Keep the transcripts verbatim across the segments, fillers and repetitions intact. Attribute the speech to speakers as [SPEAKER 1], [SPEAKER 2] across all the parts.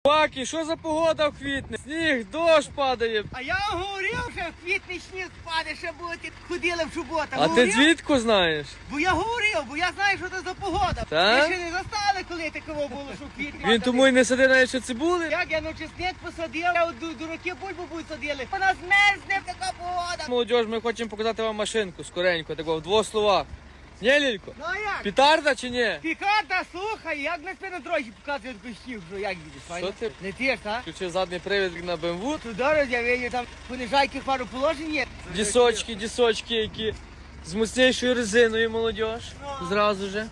[SPEAKER 1] Паки, що за погода в квітні? Сніг, дощ падає.
[SPEAKER 2] А я говорив, що в квітні сніг падає, ще будете ходили в суботу.
[SPEAKER 1] А ти звідку знаєш?
[SPEAKER 2] Бо я говорив, бо я знаю, що це за погода.
[SPEAKER 1] Та?
[SPEAKER 2] Ви ще не застали, коли такого було, що в квітні.
[SPEAKER 1] Він тому й не садив навіть що цибули.
[SPEAKER 2] Як я ну чесник посадив, я от ду- дураки бульбу будуть садили. Вона змерзне, така погода.
[SPEAKER 1] Молодіж, ми хочемо показати вам машинку скоренько, такого в двох словах. Ні, Лілько?
[SPEAKER 2] Ну а як?
[SPEAKER 1] Пітарда чи ні?
[SPEAKER 2] Пікарда, слухай, як на спину дорожі показують костів, що як їдеш, файно?
[SPEAKER 1] ти?
[SPEAKER 2] Не ти ж, так?
[SPEAKER 1] Включив задній привід на бе ем ве.
[SPEAKER 2] Туди роз'явили, там понижайки пару положень є.
[SPEAKER 1] Дісочки, дісочки, які з міцнішою резиною, молодіж. Зразу же.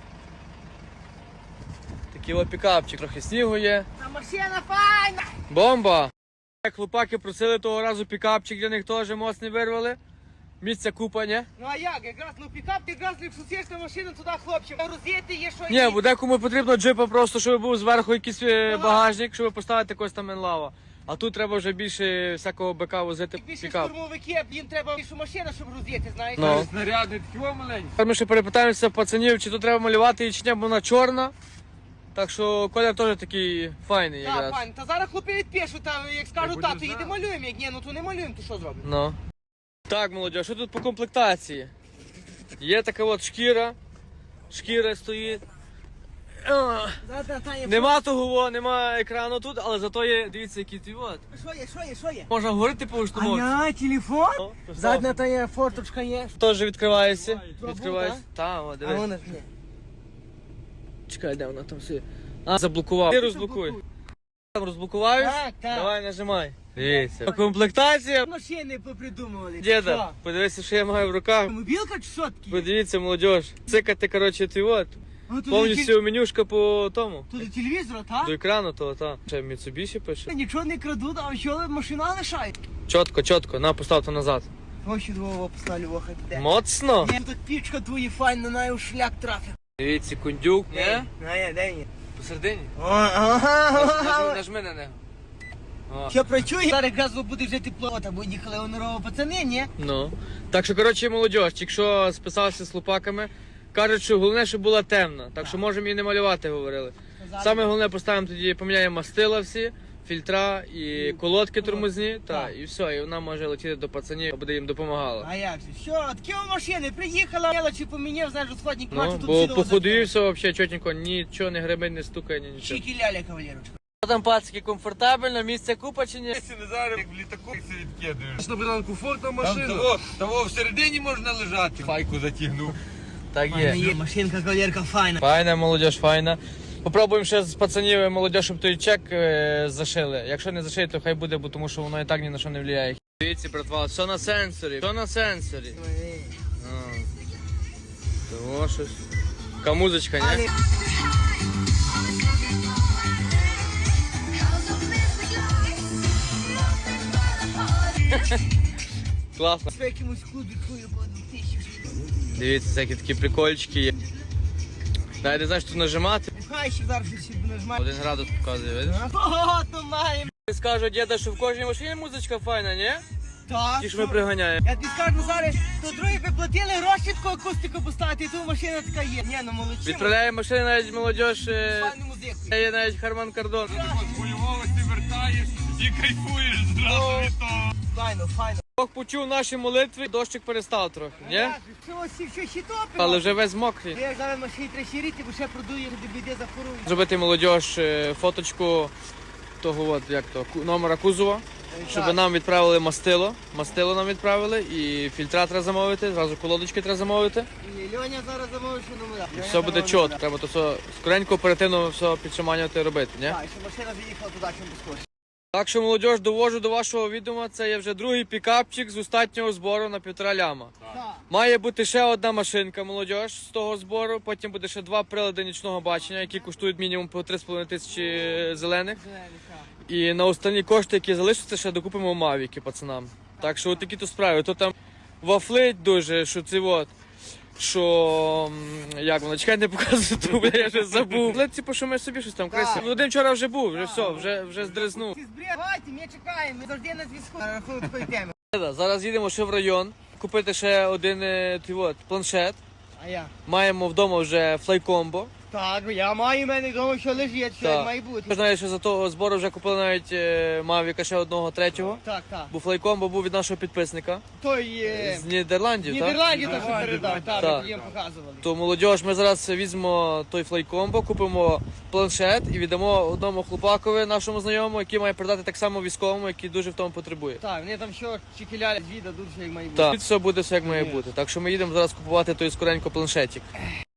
[SPEAKER 1] Такий о пікапчик, трохи снігу є.
[SPEAKER 2] Та машина файна!
[SPEAKER 1] Бомба! Як хлопаки просили того разу пікапчик, для них теж моцний вирвали. Місця купа, ні?
[SPEAKER 2] Ну а як, якраз ну пікап, ти якраз якщо сієш на машину туди, хлопчик, роз'їти є що
[SPEAKER 1] Ні,
[SPEAKER 2] йти.
[SPEAKER 1] бо декому потрібно джипа просто, щоб був зверху якийсь е, багажник, щоб поставити якось там енлава. А тут треба вже більше всякого бика возити
[SPEAKER 2] Більше
[SPEAKER 1] пікап.
[SPEAKER 2] штурмовики, їм треба більшу машину, щоб роз'їти, знаєш.
[SPEAKER 1] Ну.
[SPEAKER 3] Снарядний такий маленький.
[SPEAKER 1] Тепер ми ще перепитаємося пацанів, чи тут треба малювати, чи ні, бо вона чорна. Так що колір теж такий файний
[SPEAKER 2] Так,
[SPEAKER 1] якраз.
[SPEAKER 2] пані, та зараз хлопці відпишуть, та як скажуть,
[SPEAKER 3] буде
[SPEAKER 2] тату,
[SPEAKER 3] знати.
[SPEAKER 2] їде малюємо, як ні, ну то не малюємо, то що зробимо?
[SPEAKER 1] Ну. Так, молодь, що тут по комплектації? Є така от шкіра. Шкіра стоїть. А,
[SPEAKER 2] Та, та, є,
[SPEAKER 1] Нема того, во, нема екрану тут, але зато є, дивіться, який твій от.
[SPEAKER 2] Що є, що є, що є?
[SPEAKER 1] Можна говорити по штурмовці.
[SPEAKER 2] А я, телефон?
[SPEAKER 1] О, поставив.
[SPEAKER 2] Задня та є, форточка є.
[SPEAKER 1] Теж відкривається.
[SPEAKER 2] Трубу,
[SPEAKER 1] Відкривається.
[SPEAKER 2] так?
[SPEAKER 1] Так, о,
[SPEAKER 2] А
[SPEAKER 1] дивись.
[SPEAKER 2] вона ж ні.
[SPEAKER 1] Чекай, де вона там все. А, заблокував. Ти розблокуй. Там розблокуваєш?
[SPEAKER 2] Так, так.
[SPEAKER 1] Давай, нажимай. Дивіться. Комплектація.
[SPEAKER 2] Машини попридумували.
[SPEAKER 1] Діда, подивися, що я маю в руках.
[SPEAKER 2] Що? Мобілка чи що таке?
[SPEAKER 1] Подивіться, молодь. Цикати, коротше, ти от.
[SPEAKER 2] Ну, тут
[SPEAKER 1] Повністю менюшка по тому.
[SPEAKER 2] Тут до телевізора, так?
[SPEAKER 1] До екрану того, та. Ще Mitsubishi пише.
[SPEAKER 2] Нічого не крадуть, а що машина лишають?
[SPEAKER 1] Чітко, чітко. На, постав то назад.
[SPEAKER 2] Гроші двого поставлю, воха піде.
[SPEAKER 1] Моцно.
[SPEAKER 2] Ні, тут пічка твої файна, на у шлях трафив.
[SPEAKER 1] Дивіться, кондюк. Ні?
[SPEAKER 2] А я, де він?
[SPEAKER 1] Посередині.
[SPEAKER 2] Ага.
[SPEAKER 1] Нажми на нього. О.
[SPEAKER 2] Що працює? Зараз газу буде вже тепло, та бо їхали онорово пацани, ні?
[SPEAKER 1] Ну. Так що, коротше, молодь, якщо списався з лупаками, кажуть, що головне, щоб була темна. Так що можемо і не малювати, говорили. Саме головне поставимо тоді, поміняємо мастила всі, фільтра і колодки тормозні, та,
[SPEAKER 2] Так.
[SPEAKER 1] і все, і вона може летіти до пацанів, буде їм допомагала.
[SPEAKER 2] А як же? Що, такі машини, приїхала, мелочі поміняв, знаєш, розходник,
[SPEAKER 1] Ну,
[SPEAKER 2] бачу, тут
[SPEAKER 1] бо
[SPEAKER 2] сідало
[SPEAKER 1] по ходу і
[SPEAKER 2] закрито.
[SPEAKER 1] все взагалі чотенько, нічого не гребень, не стукає, ні нічого.
[SPEAKER 2] Чики ляля, кавалерочка.
[SPEAKER 1] Що там, пацики, комфортабельно, місця купа чи ні?
[SPEAKER 3] Якщо не зараз, як в літаку все відкидаєш. На Богдан комфортна машина. Там того, того всередині можна лежати. Файку затягнув.
[SPEAKER 1] Так
[SPEAKER 2] Файна
[SPEAKER 1] є.
[SPEAKER 2] є, машинка, кавалерка, файна.
[SPEAKER 1] Файна, молодь, файна. Попробуємо ще з пацанів молодь, щоб той чек е, зашили. Якщо не зашили, то хай буде, бо тому що воно і так ні на що не впливає. Дивіться, братва, все на сенсорі, все на сенсорі. А. Того щось. Така музичка, ні?
[SPEAKER 2] Але
[SPEAKER 1] Класно.
[SPEAKER 2] в якомусь клубі твою по одну тисячу.
[SPEAKER 1] Дивіться, всякі такі прикольчики є. Навіть не знаєш, тут нажимати.
[SPEAKER 2] Хай ще зараз щось нажимає.
[SPEAKER 1] Один градус показує, видиш?
[SPEAKER 2] Ого, то маємо.
[SPEAKER 1] Ти скажу, діда, що в кожній машині музичка файна, ні?
[SPEAKER 2] Так.
[SPEAKER 1] Ті ж ми приганяємо.
[SPEAKER 2] Я тобі скажу, зараз, то другі би платили гроші таку акустику поставити, і тут машина така є. Ні, ну молодці.
[SPEAKER 1] Відправляє машини навіть молодь. Е...
[SPEAKER 2] Файну музику.
[SPEAKER 1] Є навіть Харман Кардон.
[SPEAKER 3] З бойовості вертаєш і кайфуєш зразу від того.
[SPEAKER 2] Файно, файно.
[SPEAKER 1] Бог почув наші молитви, дощик перестав трохи, ні?
[SPEAKER 2] Що ось що ще топимо?
[SPEAKER 1] Але вже весь мокрий.
[SPEAKER 2] Я зараз машині треба щирити, бо ще продує, де біде захорує.
[SPEAKER 1] Зробити молодь е, фоточку того от, як то, ку- номера кузова, щоб нам відправили мастило. Мастило нам відправили і фільтра треба замовити, зразу колодочки треба замовити.
[SPEAKER 2] І Льоня зараз замовив, що номера.
[SPEAKER 1] І все буде чітко. Треба то все скоренько, оперативно все підшаманювати і робити, ні?
[SPEAKER 2] Так, що машина заїхала туди, чим безкоштовно.
[SPEAKER 1] Так що, молодь, довожу до вашого відома, це є вже другий пікапчик з остатнього збору на півтора ляма.
[SPEAKER 2] Так.
[SPEAKER 1] Має бути ще одна машинка, молодь, з того збору, потім буде ще два прилади нічного бачення, які коштують мінімум по три з половиною тисячі зелених.
[SPEAKER 2] Зелені, так.
[SPEAKER 1] І на останні кошти, які залишаться, ще докупимо мавіки пацанам. Так що такі то справи. То там вафлить дуже, що це от. Що м, як воно, чекай, не показую, то бля, я вже забув. Лепці пошуми собі щось там красиво. Ну, один вчора вже був, вже все, вже, вже здризнув.
[SPEAKER 2] Ти збрід, давайте, ми чекаємо, ми завжди на зв'язку. На рахунок такої теми.
[SPEAKER 1] Зараз їдемо ще в район, купити ще один е, той от, планшет.
[SPEAKER 2] А я?
[SPEAKER 1] Маємо вдома вже флайкомбо.
[SPEAKER 2] Так, я маю, в мене вдома все лежить, що
[SPEAKER 1] Так.
[SPEAKER 2] як має бути.
[SPEAKER 1] Я знаю, що за того збору вже купили навіть е, Мавіка ще одного третього.
[SPEAKER 2] Так, так.
[SPEAKER 1] Бо флайком бо був від нашого підписника
[SPEAKER 2] Той е,
[SPEAKER 1] з Нідерландів,
[SPEAKER 2] в
[SPEAKER 1] так?
[SPEAKER 2] Нідерланді то, що передав, так,
[SPEAKER 1] Так.
[SPEAKER 2] ми їм показували.
[SPEAKER 1] То молодіж, ми зараз візьмемо той флайкомбо, купимо планшет і віддамо одному хлопакові, нашому знайомому, який має передати так само військовому, який дуже в тому потребує.
[SPEAKER 2] Так, вони там що чекіля звіда дуже як має бути.
[SPEAKER 1] Так, все буде все як має бути. Так що ми їдемо зараз купувати той скоренько планшетик.